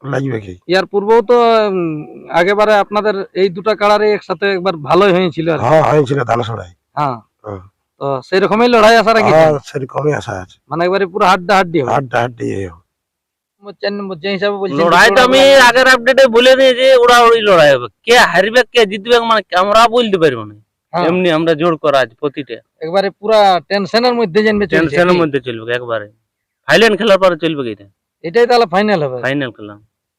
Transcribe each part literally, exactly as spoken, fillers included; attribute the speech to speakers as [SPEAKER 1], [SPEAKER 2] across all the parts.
[SPEAKER 1] লাগবে কি।
[SPEAKER 2] ইয়ার পূর্বেও তো আগেবারে আপনাদের এই দুটা কাড়ারে একসাথে একবার ভালোই হয়েছিল।
[SPEAKER 1] হ্যাঁ হয়েছিল ধানসড়াই।
[SPEAKER 2] হ্যাঁ তো সেই রকমই লড়াই আশা রাখি।
[SPEAKER 1] হ্যাঁ সেরকমই আশা আছে,
[SPEAKER 2] মানে একবারে পুরো হাড্ডা হাড্ডি হবে।
[SPEAKER 1] হাড্ডা হাড্ডি
[SPEAKER 2] চার নম্বর যে হিসাবে বলছেন
[SPEAKER 3] লড়াই তো আমি আগের আপডেটে বলে দিয়েছি, উড়াউড়ি লড়াই হবে, কে হারবে কে জিতবে মানে আমরা বলতে পারবো না। এমনি আমরা জোর করা আছে প্রতিটা,
[SPEAKER 2] একবারে পুরা টেনশনের মধ্যে জানবে,
[SPEAKER 3] টেনশনের মধ্যে চলবে একবারে। ফাইনাল খেলার পরে চলবে কি এটা,
[SPEAKER 2] এটাই তাহলে ফাইনাল হবে।
[SPEAKER 3] ফাইনাল খেলা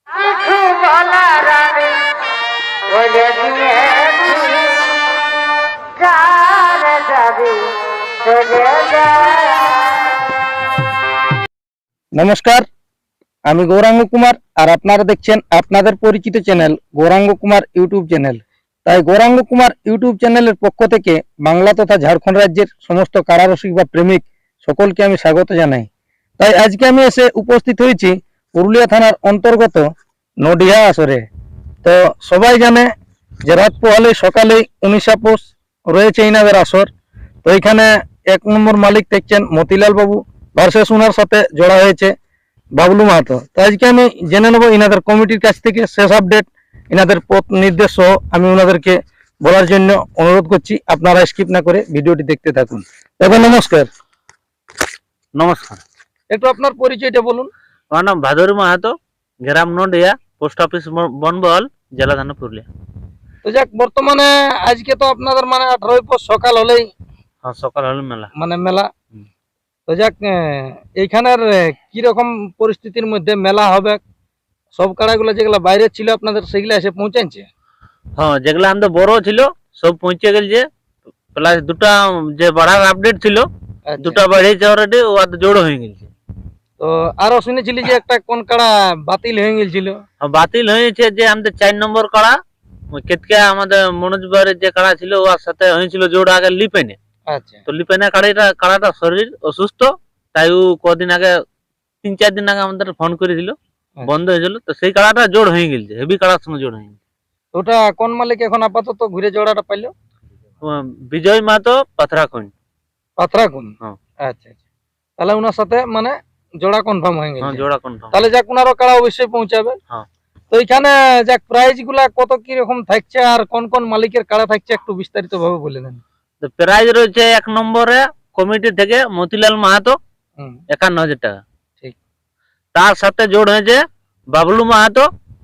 [SPEAKER 2] নমস্কার, আমি গৌরাঙ্গ কুমার আর আপনারা দেখছেন আপনাদের পরিচিত channel Gouranga Kumar YouTube channel. তাই গৌরাঙ্গ কুমার ইউটিউব চ্যানেলের পক্ষ থেকে বাংলা তথা ঝাড়খণ্ড রাজ্যের সমস্ত কারারসিক বা প্রেমিক সকলকে আমি স্বাগত জানাই। তাই আজকে আমি এসে উপস্থিত হয়েছি পুরুলিয়া থানার অন্তর্গত নডিহা আসরে। তো সবাই জানে যে রাত পোহালে সকালেই উনিশা পোষ রয়েছে ইনাদের আসর। তো এখানে এক নম্বর মালিক দেখছেন মতিলাল বাবু ভার্সেস উনার সাথে জড়া হয়েছে বাবলু মাহাতো। তো আজকে আমি জেনে নেবো ইনাদের কমিটির কাছ থেকে শেষ আপডেট, ইনাদের পথ নির্দেশ সহ আমি ওনাদেরকে বলার জন্য অনুরোধ করছি। আপনারা স্কিপ না করে ভিডিওটি দেখতে থাকুন। দাদা নমস্কার।
[SPEAKER 3] নমস্কার,
[SPEAKER 2] একটু আপনার পরিচয়টা বলুন।
[SPEAKER 3] আমার নাম ভাদুরী মাহাতো, গ্রাম নডিয়া, পোস্ট অফিস বনবল, জেলা থানা পুরুলিয়া।
[SPEAKER 2] তো যাক, বর্তমানে আজকে তো আপনাদের মানে আঠারোই পর সকাল হলেই
[SPEAKER 3] হ্যাঁ সকাল হলে মেলা,
[SPEAKER 2] মানে মেলা। তো যাক, এইখানের কিরকম পরিস্থিতির মধ্যে মেলা হবে? সব কাড়াগুলো যেগুলো বাইরে ছিল আপনাদের সেগুলো এসে পৌঁছাচ্ছে?
[SPEAKER 3] হ্যাঁ যেগুলো আমাদের বড় ছিল সব পৌঁছে গেছে, প্লাস দুটা যে বাড়ার আপডেট ছিল দুটা বাড়িয়েছে অলরেডি, ও জোড় হয়ে গেছে।
[SPEAKER 2] তো আরো শুনেছিলি যে একটা কোন কাড়া বাতিল হয়ে গেছিল?
[SPEAKER 3] বাতিল হয়েছে যে আমাদের চার নম্বর কাড়া কেতকা, আমাদের মনোজ বাড়ির যে কাড়া ছিল ওর সাথে হয়েছিল জোড় আগে লিপেনে।
[SPEAKER 2] আচ্ছা,
[SPEAKER 3] তো লিপেনে কাড়াটা কাড়াটা শরীর অসুস্থ, তাই ও কদিন আগে তিন চার দিন আগে আমাদের ফোন করেছিল, বন্ধ হয়েছিল। তো সেই কাড়াটা জোড় হয়ে গেছে, হেভি কাড়ার সঙ্গে জোড় হয়ে গেছে।
[SPEAKER 2] ওটা কোন মালিক এখন আপাতত ঘুরে জোড়াটা পাইলো?
[SPEAKER 3] বিজয় মাহাতো, পাথরাখুন।
[SPEAKER 2] পাথরাখুন,
[SPEAKER 3] হ্যাঁ
[SPEAKER 2] আচ্ছা আচ্ছা। তাহলে ওনার সাথে মানে জোড়া কনফার্ম হয়ে গেছে।
[SPEAKER 3] হ্যাঁ জোড়া কনফার্ম।
[SPEAKER 2] তাহলে যাক, ওনারও কাড়া অবশ্যই পৌঁছাবে।
[SPEAKER 3] হ্যাঁ।
[SPEAKER 2] তো এখানে যাক, প্রাইজ গুলা কত কি রকম থাকছে আর কোন কোন মালিকের কাড়া থাকছে একটু বিস্তারিত ভাবে বলে দেন।
[SPEAKER 3] তো প্রাইজ রয়েছে এক নম্বরে কমিটি থেকে মতিলাল মাহাতো একান্ন হাজার টাকা,
[SPEAKER 2] ঠিক।
[SPEAKER 3] তার সাথে জোড় হয়েছে বাবলু মাহাতো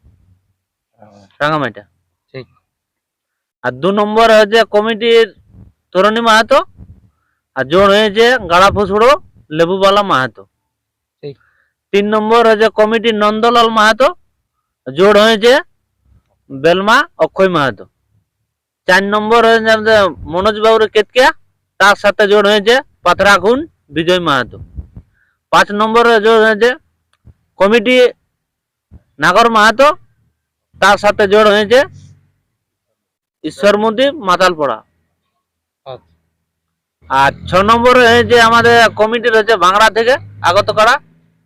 [SPEAKER 3] রাঙামাটা,
[SPEAKER 2] ঠিক।
[SPEAKER 3] আর দু নম্বর হয়েছে কমিটির তরুণী মাহাতো, আর জোড় হয়েছে গাড়া ফুসুড়ো লেবুবালা মাহাতো,
[SPEAKER 2] ঠিক।
[SPEAKER 3] তিন নম্বর হয়েছে কমিটির নন্দলাল মাহাতো, জোড় হয়েছে বেলমা অক্ষয় মাহাতো, চার নম্বর হয়েছে আমাদের মনোজ বাবুর কেতকা, তার সাথে জোড় হয়েছে পাথরাখুন বিজয় মাহাতো, পাঁচ নম্বরে জোড় হয়েছে কমিটি নাগর মাহাতো, তার সাথে জোড় হয়েছে ঈশ্বরমন্দির মাতালপড়া, আর ছ নম্বরে হয়েছে আমাদের কমিটির হচ্ছে ভাঙড়া থেকে আগত করা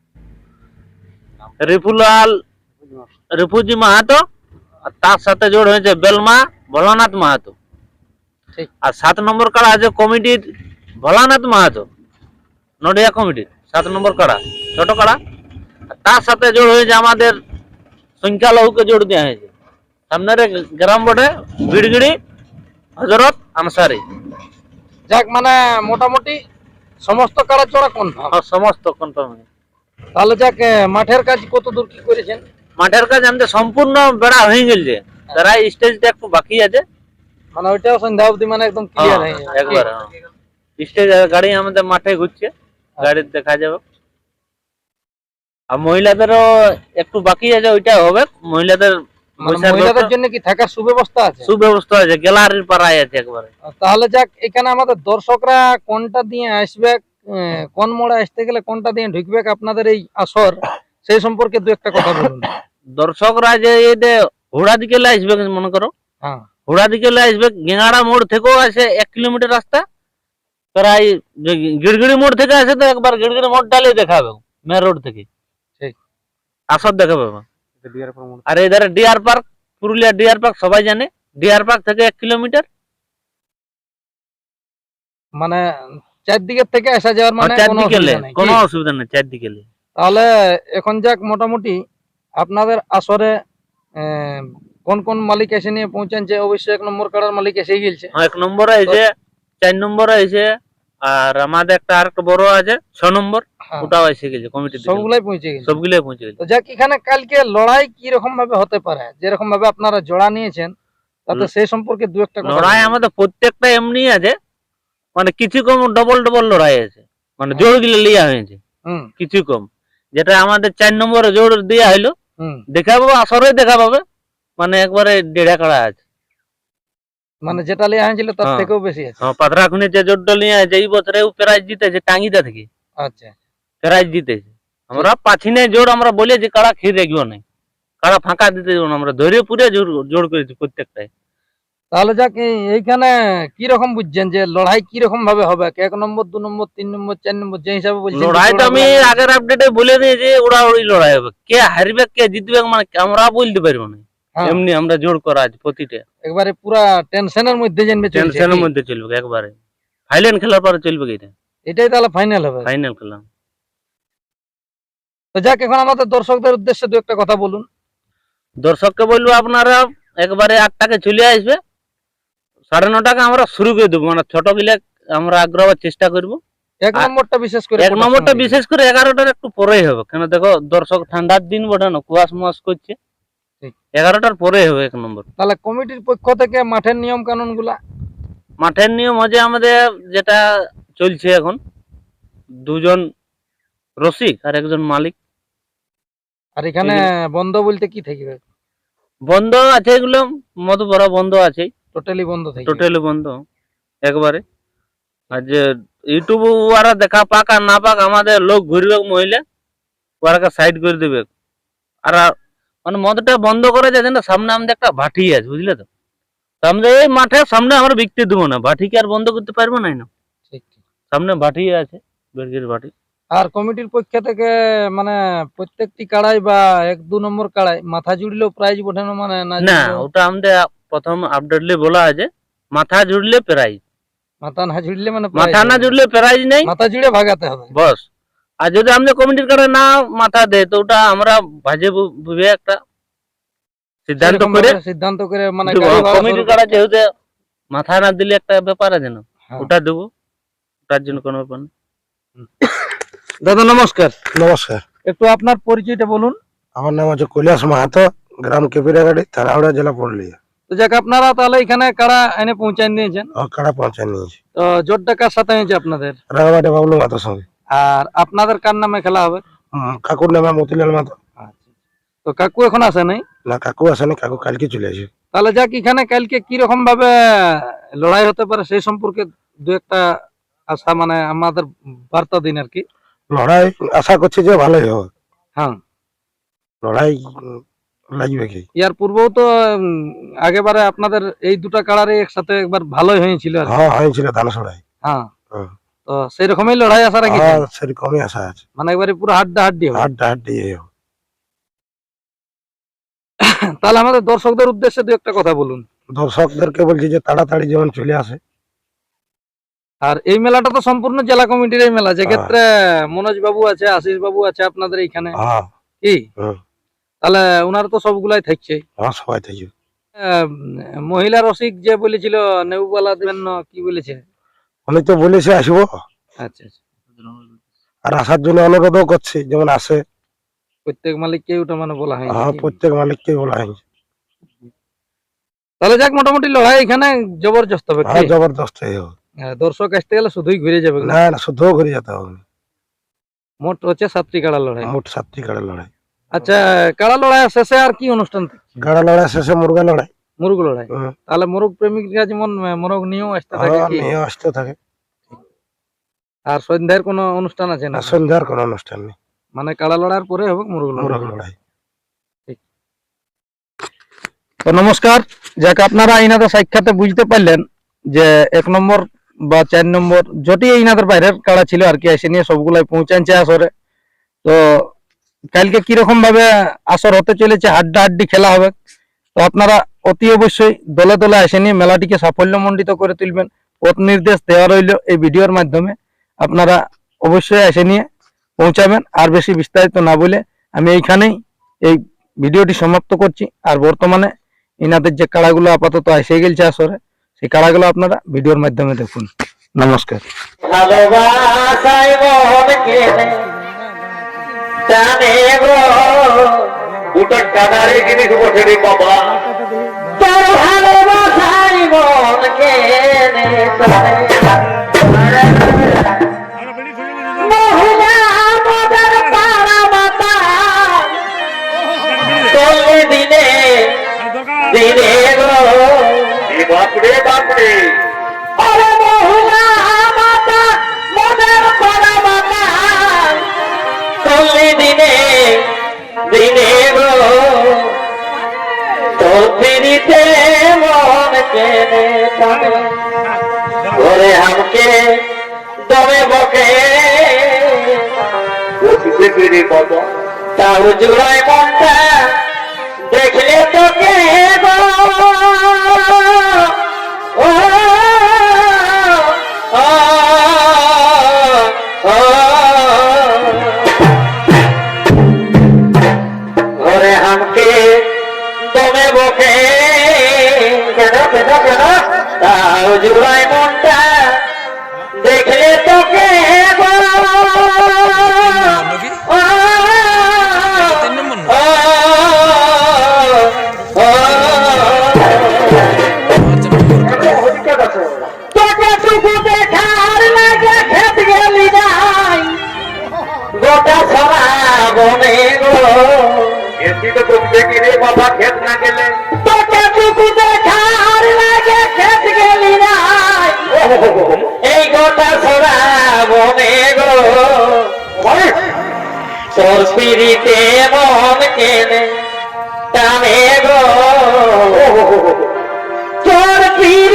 [SPEAKER 3] রিফুলাল রিফুজি মাহাতো, আর তার সাথে জোড় হয়েছে বেলমা ভোলানাথ মাহাতো, আর সাত নম্বর কাড়া আছে কমিটির ভোলানাথ মাহাতো নডিয়া কমিটির সাত নম্বর কাড়া, ছোট কাড়া, তার সাথে জোড় হয়েছে আমাদের সংখ্যালঘুকে জোড় দেওয়া হয়েছে সামনের গ্রাম বটে বিড়গিড়ি হজরত আনসারি।
[SPEAKER 2] যাক, মানে মোটামুটি সমস্ত কাড়া জোড়া কনফার্ম,
[SPEAKER 3] সমস্ত কনফার্ম।
[SPEAKER 2] তাহলে যাক, মাঠের কাজ কত দূর কি করেছেন?
[SPEAKER 3] মাঠের কাজ আমাদের সম্পূর্ণ বেড়া হয়ে গেছে, তারা স্টেজটা একটু বাকি আছে,
[SPEAKER 2] মানে ওইটাও সন্ধ্যা অবধি মানে একদম ক্লিয়ার হয়ে যাবে
[SPEAKER 3] একবার। স্টেজ গাড়ি আমাদের মাঠে ঘুরছে, গাড়ি দেখা যাবে। আর মহিলাদেরও একটু বাকি আছে, ওইটা হবে মহিলাদের।
[SPEAKER 2] মহিলাদের জন্য কি থাকার সুব্যবস্থা আছে?
[SPEAKER 3] সুব্যবস্থা আছে, গ্যালারির পাড়ায় আছে একবারে।
[SPEAKER 2] তাহলে যাক, এখানে আমাদের দর্শকরা কোনটা দিয়ে আসবে, কোন মোড়ে আসতে গেলে কোনটা দিয়ে ঢুকবে আপনাদের এই আসর, সেই সম্পর্কে দু একটা কথা বলুন।
[SPEAKER 3] দর্শকরা যে এই যে হুড়া দিকে আসবে, মনে করো
[SPEAKER 2] হ্যাঁ
[SPEAKER 3] হুড়া দিকে আসবে, গেঙ্গাড়া মোড় থেকেও আছে এক কিলোমিটার রাস্তা, প্রায় গিড়গিড়ি মোড় থেকে আসে তো একবার গিড়গিড়ি মোড় ডালে দেখাবে মেন রোড থেকে,
[SPEAKER 2] ঠিক
[SPEAKER 3] আসর দেখাবে। আর এধারে deer park, Purulia deer park সবাই জানে, ডিয়ার পার্ক থেকে এক কিলোমিটার,
[SPEAKER 2] মানে চারদিকের থেকে আসা যাওয়ার মানে
[SPEAKER 3] চারদিকে কোনো অসুবিধা নেই চারদিকে।
[SPEAKER 2] তাহলে এখন যাক, মোটামুটি আপনাদের আসরে আহ, কোন কোন মালিক এসে নিয়ে পৌঁছানছে? অবশ্যই এক নম্বর কাড়ার মালিক এসে গেছে।
[SPEAKER 3] হ্যাঁ, এক নম্বরে এসে, চার নম্বরে এসে, আর আমাদের একটা আর একটা বড় আছে ছ নম্বর,
[SPEAKER 2] হ্যাঁ,
[SPEAKER 3] ওটাও এসে গেছে কমিটি
[SPEAKER 2] সবগুলাই পৌঁছে গেছে।
[SPEAKER 3] সবগুলোই পৌঁছে গেছে।
[SPEAKER 2] তো যাক, এখানে কালকে লড়াই কি রকম ভাবে হতে পারে, যেরকম ভাবে আপনারা জোড়া নিয়েছেন, তাতে সেই সম্পর্কে দু একটা কথা
[SPEAKER 3] লড়াই
[SPEAKER 2] বলুন।
[SPEAKER 3] আমাদের প্রত্যেকটা এমনি আছে, মানে কিছু কম ডবল ডবল লড়াই আছে, মানে জোর গিলে লিয়া হয়েছে
[SPEAKER 2] হুম
[SPEAKER 3] কিছু কম। যেটা আমাদের চার নম্বরে জোর দেওয়া হইলো,
[SPEAKER 2] হুম
[SPEAKER 3] দেখা পাবো আসরে দেখা পাবে, মানে একবারে দেড়া কাড়া আছে।
[SPEAKER 2] মানে যেটা লিয়া হয়েছিল তার
[SPEAKER 3] হ্যাঁ।
[SPEAKER 2] থেকেও বেশি আছে।
[SPEAKER 3] হ্যাঁ, পাথরা খুনি যে জোরটা নিয়ে আছে এই বছরে প্রাইজ জিতেছে টাঙ্গিটা থেকে,
[SPEAKER 2] আচ্ছা,
[SPEAKER 3] প্রাইজ জিতেছে। আমরা পাচ্ছি না জোর, আমরা বলে যে কাড়া খেয়ে রাখবো না, কাড়া ফাঁকা দিতে যাবো না, আমরা ধরে পুরে জোর জোর করেছি প্রত্যেকটাই।
[SPEAKER 2] তাহলে যাক, এই- এইখানে কি রকম বুঝছেন যে লড়াই কি রকম ভাবে হবে? এক নম্বর, দু নম্বর, তিন নম্বর, চার নম্বর, যে হিসাবে বলছেন।
[SPEAKER 3] লড়াই তো আমি আগের আপডেটে বলে দিয়েছি, ওরা ওই লড়াই হবে, কে হারবে কে জিতবে মানে আমরা বলতে পারবো না।
[SPEAKER 2] হ্যাঁ,
[SPEAKER 3] এমনি আমরা জোর করা আছে প্রতিটা,
[SPEAKER 2] একবারে পুরা টেনশনের মধ্যে জানবে চলছে
[SPEAKER 3] টেনশনের
[SPEAKER 2] কি?
[SPEAKER 3] মধ্যে চলবে একবারে। ফাইনাল খেলার পরে চলবে কি এটা,
[SPEAKER 2] এটাই তাহলে ফাইনাল হবে।
[SPEAKER 3] ফাইনাল খেলা।
[SPEAKER 2] তো যাক, এখন আমাদের দর্শকদের উদ্দেশ্যে দু একটা কথা বলুন।
[SPEAKER 3] দর্শককে বলবো আপনারা একবারে আটটাকে চলে আসবে, সাড়ে নটাকে আমরা শুরু করে দেবো, মানে ছোট গিলে আমরা আগ্রহ চেষ্টা করবো।
[SPEAKER 2] এক
[SPEAKER 3] আর
[SPEAKER 2] নম্বরটা বিশেষ করে
[SPEAKER 3] এক নম্বরটা বিশেষ করে এগারোটার একটু পরেই হবে, কেন দেখো দর্শক ঠান্ডার দিন বটে না, কুয়াশ মুয়াশ করছে,
[SPEAKER 2] ঠিক।
[SPEAKER 3] এগারোটার পরে হবে এক নম্বর।
[SPEAKER 2] তাহলে কমিটির পক্ষ থেকে মাঠের নিয়ম কানুন গুলা?
[SPEAKER 3] মাঠের নিয়ম হচ্ছে আমাদের যেটা চলছে এখন, দুজন রসিক আর একজন মালিক।
[SPEAKER 2] আর এখানে বন্ধ বলতে কি থাকবে?
[SPEAKER 3] বন্ধ আছে এগুলো, মধু ভরা বন্ধ আছে,
[SPEAKER 2] টোটালি বন্ধ থাকবে?
[SPEAKER 3] টোটালি বন্ধ একবারে। আর যে ইউটিউব ওরা দেখা পাক আর না পাক, আমাদের লোক ঘুরবে মহিলা, ওরাকে সাইড করে দেবে। আর মানে মদটা বন্ধ করে যাচ্ছে না, সামনে আমাদের একটা ভাটি আছে, বুঝলে তো, তো আমরা এই মাঠের সামনে আমরা বিকতে দেবো না, ভাটিকে আর বন্ধ করতে পারবো না।
[SPEAKER 2] ঠিক ঠিক।
[SPEAKER 3] সামনে ভাটি আছে, বেরগের ভাটি।
[SPEAKER 2] আর কমিটির পক্ষ থেকে মানে প্রত্যেকটি কাড়াই বা এক দু নম্বর কাড়াই মাথা জুড়লেও প্রাইজ ওঠানো মানে না?
[SPEAKER 3] না,
[SPEAKER 2] জুড়লেও-
[SPEAKER 3] ওটা আমাদের প্রথম আপডেটলে বলা আছে, মাথা জুড়লে প্রাইজ,
[SPEAKER 2] মাথা না জুড়লে মানে prize
[SPEAKER 3] মাথা না
[SPEAKER 2] হবে।
[SPEAKER 3] জুড়লে প্রাইজ নেই,
[SPEAKER 2] মাথা জুড়ে ভাগাতে হবে।
[SPEAKER 3] বস। আর যদি আমাদের কমিটির কাছে না মাথা দেয়, তো ওটা আমরা ভাজে বুঝে একটা সিদ্ধান্ত
[SPEAKER 2] সেরকম
[SPEAKER 3] করে
[SPEAKER 2] ভাবে সিদ্ধান্ত করে মানে
[SPEAKER 3] দেবো।
[SPEAKER 2] গাড়ি ভাড়া
[SPEAKER 3] কমিটির
[SPEAKER 2] শুরু
[SPEAKER 3] কাছে
[SPEAKER 2] করতে-
[SPEAKER 3] যেহেতু মাথা না দিলে একটা ব্যাপার আছে না,
[SPEAKER 2] হ্যাঁ।
[SPEAKER 3] ওটা দেবো, ওটার জন্য কোনো ব্যাপার না।
[SPEAKER 2] দাদা নমস্কার,
[SPEAKER 1] নমস্কার,
[SPEAKER 2] একটু আপনার পরিচয়টা বলুন।
[SPEAKER 1] আমার নাম হচ্ছে কৈলাস মাহাতো, গ্রাম কেপিরাগাড়ি, থানা হাওড়া, জেলা পুরুলিয়া।
[SPEAKER 2] তো যাক, আপনারা তাহলে এখানে কাড়া এনে পৌঁছায় দিয়েছেন।
[SPEAKER 1] ও কাড়া পৌঁছায় নিয়েছি
[SPEAKER 2] তো জোরটা কার সাথে হয়েছে আপনাদের?
[SPEAKER 1] রাঙামাটি বাবলু মাতার সঙ্গে।
[SPEAKER 2] আর আপনাদের কার নামে খেলা হবে?
[SPEAKER 1] উম, কাকুর নামে মতিলাল মাতো।
[SPEAKER 2] আচ্ছা, তো কাকু এখন আসে নাই?
[SPEAKER 1] না, কাকু আসেনি, কাকু কালকে চলে আসে।
[SPEAKER 2] তাহলে যাক, এখানে কালকে কি রকম ভাবে লড়াই হতে পারে সেই সম্পর্কে দু একটা আশা মানে আমাদের বার্তা দিন আর কি।
[SPEAKER 1] লড়াই আশা করছি যে ভালোই হবে,
[SPEAKER 2] হ্যাঁ,
[SPEAKER 1] লড়াই উম, লাগবে কি।
[SPEAKER 2] ইয়ার পূর্বেও তো উম, আগেবারে আপনাদের এই দুটা কাড়ারে একসাথে একবার ভালোই হয়েছিল আর কি।
[SPEAKER 1] হ্যাঁ, হয়েছিল দানাসড়াই।
[SPEAKER 2] হ্যাঁ,
[SPEAKER 1] হ্যাঁ।
[SPEAKER 2] তো সেই রকমই লড়াই আশা রাখি,
[SPEAKER 1] হ্যাঁ, সেরকমই আশা আছে,
[SPEAKER 2] মানে একবারে পুরো হাড্ডা হাড্ডি হবে।
[SPEAKER 1] হাড্ডা হাড্ডি এই হবে।
[SPEAKER 2] তাহলে আমাদের দর্শকদের উদ্দেশ্যে দু একটা কথা বলুন।
[SPEAKER 1] দর্শকদেরকে বলছি যে তাড়াতাড়ি যেমন চলে আসে।
[SPEAKER 2] আর এই মেলাটা তো সম্পূর্ণ জেলা কমিটির এই মেলা, যেক্ষেত্রে মনোজ বাবু আছে, আশিস বাবু আছে আপনাদের এইখানে,
[SPEAKER 1] হ্যাঁ,
[SPEAKER 2] কি
[SPEAKER 1] হুম,
[SPEAKER 2] তাহলে ওনারা তো সবগুলাই থাকছে।
[SPEAKER 1] হ্যাঁ, সবাই থাকবে।
[SPEAKER 2] আহ, মহিলা রসিক যে বলেছিল নেউবালা দেবেন না, কি বলেছে?
[SPEAKER 1] উনি তো বলেছে আসবো,
[SPEAKER 2] আচ্ছা আচ্ছা,
[SPEAKER 1] আর আসার জন্য অনুরোধও করছি যেমন আসে।
[SPEAKER 2] প্রত্যেক মালিককে ওটা মানে বলা হয়।
[SPEAKER 1] হ্যাঁ, প্রত্যেক মালিককে বলা হয়েছে।
[SPEAKER 2] তাহলে যাক, মোটামুটি লড়াই এখানে জবরদস্ত হবে।
[SPEAKER 1] হ্যাঁ,
[SPEAKER 2] কি?
[SPEAKER 1] জবরদস্ত এই হবে।
[SPEAKER 2] হ্যাঁ, দর্শক আসতে গেলে শুধুই ঘুরে যাবে।
[SPEAKER 1] না না, শুদ্ধ ঘুরে যেতে হবে না।
[SPEAKER 2] মোট হচ্ছে সাতটি কাড়া লড়াই।
[SPEAKER 1] মোট সাতটি গাড়া লড়াই।
[SPEAKER 2] আচ্ছা, কাড়া লড়াই শেষে আর কি অনুষ্ঠান থাকে?
[SPEAKER 1] গাড়া লড়াই শেষে মুরগা লড়াই।
[SPEAKER 2] মুরগ লড়াই।
[SPEAKER 1] হুম,
[SPEAKER 2] তাহলে মোরগ প্রেমিকরা যেমন মোরগ নিয়েও আসতে থাকে
[SPEAKER 1] হ্যাঁ,
[SPEAKER 2] কি?
[SPEAKER 1] মেয়ে আসতে থাকে।
[SPEAKER 2] আর সন্ধ্যার কোনো অনুষ্ঠান আছে না?
[SPEAKER 1] আর সন্ধ্যার কোনো অনুষ্ঠান নেই,
[SPEAKER 2] মানে কাড়া লড়াইয়ের পরে হবে মুরগ
[SPEAKER 1] মুরগ
[SPEAKER 2] লড়াই।
[SPEAKER 1] লড়াই।
[SPEAKER 2] তো নমস্কার, যাক আপনারা ইনাদের সাক্ষাতে বুঝতে পারলেন যে এক নম্বর বা চার নম্বর যটি ইনাদের বাইরের কাড়া ছিল আর কি, এসে নিয়ে সবগুলাই পৌঁছাচ্ছে আসরে। তো কালকে কিরকম ভাবে আসর হতে চলেছে, হাড্ডা হাড্ডি খেলা হবে। তো আপনারা অতি অবশ্যই দলে দলে এসে নিয়ে মেলাটিকে সাফল্যমণ্ডিত করে তুলবেন। পথ নির্দেশ দেওয়া রইল এই ভিডিওর মাধ্যমে, আপনারা অবশ্যই এসে নিয়ে পৌঁছাবেন। আর বেশি বিস্তারিত না বলে আমি এইখানেই এই ভিডিওটি সমাপ্ত করছি। আর বর্তমানে ইনাদের যে কাড়াগুলো আপাতত এসে গেছে আসরে, সেই কাড়াগুলো আপনারা ভিডিওর মাধ্যমে দেখুন। নমস্কার।
[SPEAKER 4] ভালোবাসাই মন কেনে জানে গো
[SPEAKER 5] দুটো কাদারে জিনিস বসে রে বাবা
[SPEAKER 4] তোর ভালোবাসাই মন কেনে জানে মহিলা মদের পাড়া মাতা চলবে দিনে দিনে গো
[SPEAKER 5] এই বাপরে বাপরে
[SPEAKER 4] আরে মহিলা মাতা মদের পাড়া মাতা চলবে দিনে দিনে গো তোর পিড়িতে মন কেনে টানে ওরে আমাকে দমে বকে
[SPEAKER 5] বসিতে পেরে বাবা
[SPEAKER 4] তাও জুড়ায় মনটা দেখলে তোকে গো ও, ও, ও, ঘরে হামকে দমে বকে কেন কেন কেন তাও জুড়ায় মনটা দেখলে তোকে গো ও, ও, ও, তোকে টুকু দেখার লাগে খেত গেলি নাই গোটা সারা বনে গো
[SPEAKER 5] এসি তো তুমি দেখি রে বাবা খেত না গেলে
[SPEAKER 4] তোকে টুকু দেখার লাগে খেত গেলি নাই এই গোটা সারা বনে গো তোর পিড়িতে মন কেনে টানে গো তোর পিড়িতে